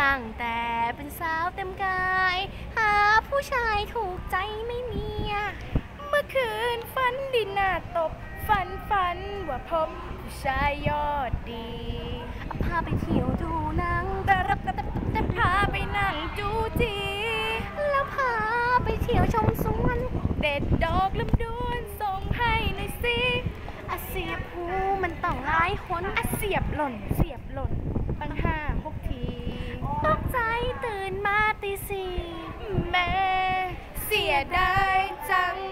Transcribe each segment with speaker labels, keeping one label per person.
Speaker 1: ตั้งแต่เป็นสาวเต็มกายหาผู้ชายถูกใจไม่มี
Speaker 2: เมื่อคืนฝันดินหน้าตบฝันว่าพบผู้ชายยอดดี
Speaker 1: พาไปเที่ยวดูหนัง
Speaker 2: แต่พาไปนั่งจูจี
Speaker 1: แล้วพาไปเที่ยวชมสวน
Speaker 2: เด็ดดอกลำดวนส่งให้หน่อยสิ
Speaker 1: เสียบหูมันต้องหลายหน
Speaker 2: เสียบหล่นตั้ง5-6 ที
Speaker 1: ตกใจตื่นมาตีสี่
Speaker 2: แม่เสียดายจัง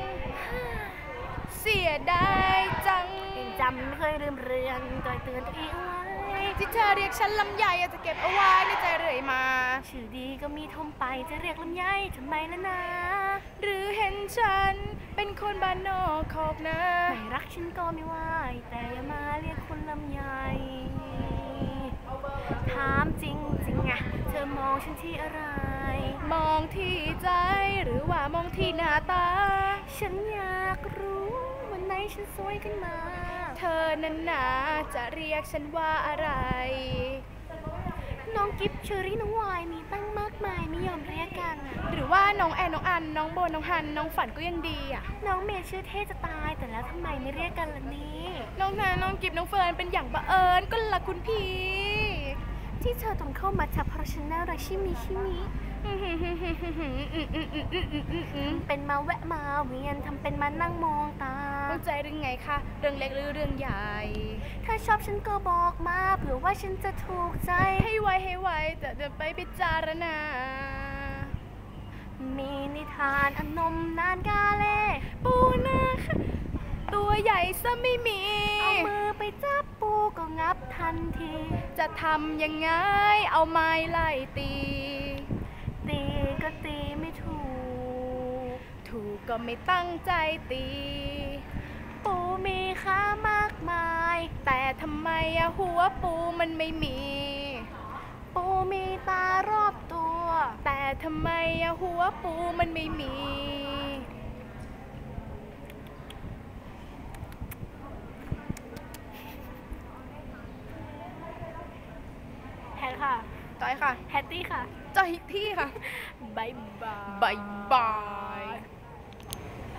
Speaker 1: จำไม่เคยลืมเรือนต่อยเตือนตัวเองไว้
Speaker 2: ที่เธอเรียกฉันลำไยจะเก็บเอาไว้ในใจเรื่อยมา
Speaker 1: ชื่อดีก็มีทมไปจะเรียกลำไยทำไมล่ะนะ
Speaker 2: หรือเห็นฉันเป็นคนบ้านนอกขอกนะ
Speaker 1: ไม่รักฉันก็ไม่ไหวแต่อย่ามาเรียกคนลำไยถามจริงอะเธอมองฉันที่อะไร
Speaker 2: มองที่ใจหรือว่ามองที่หน้าตา
Speaker 1: ฉันอยากรู้วันไหนฉันสวยขึ้นมา
Speaker 2: เธอนั้นนาจะเรียกฉันว่าอะไร
Speaker 1: น้องกิฟเชอรี่น้องวายมีตั้งมากมายไม่ยอมเรียกกัน
Speaker 2: หรือว่าน้องแอนน้องอันน้องโบน้องฮันน้องฝันก็ยังดี
Speaker 1: น้องเมย์ชื่อเท่จะตายแต่แล้วทำไมไม่เรียกกันล่ะนี่
Speaker 2: น้องนาน้องกิฟน้องเฟิร์นเป็นอย่างบังเอิญก็ละคุณพี่
Speaker 1: ที่เธอต้องเข้ามาทักเพราะฉันน่ารักชิมิเป็นมาแวะมาเวียนทำเป็นมานั่งมองตา
Speaker 2: เข้าใจเรื่องไงคะเรื่องเล็กหรือเรื่องใหญ่
Speaker 1: ถ้าชอบฉันก็บอกมาเผื่อว่าฉันจะถูกใจ
Speaker 2: ให้ไวแต่จะไปพิจารณา
Speaker 1: มีนิทานอนมนานกาเล่
Speaker 2: ปูนาตัวใหญ่ซะไม่มี
Speaker 1: เอามือไปจับปูก็งับทันที
Speaker 2: จะทำยังไงเอาไม้ไล่ตี
Speaker 1: ก็ตีไม่ถู
Speaker 2: กก็ไม่ตั้งใจตี
Speaker 1: ปูมีขามากมาย
Speaker 2: แต่ทำไมหัวปูมันไม่มี
Speaker 1: ปูมีตารอบตัว
Speaker 2: แต่ทำไมหัวปูมันไม่มี
Speaker 1: แพทค่ะ
Speaker 2: จอยค่ะ
Speaker 1: แพตตี้ค่ะ
Speaker 2: จอยที่ค่ะ
Speaker 1: บาย
Speaker 2: บาย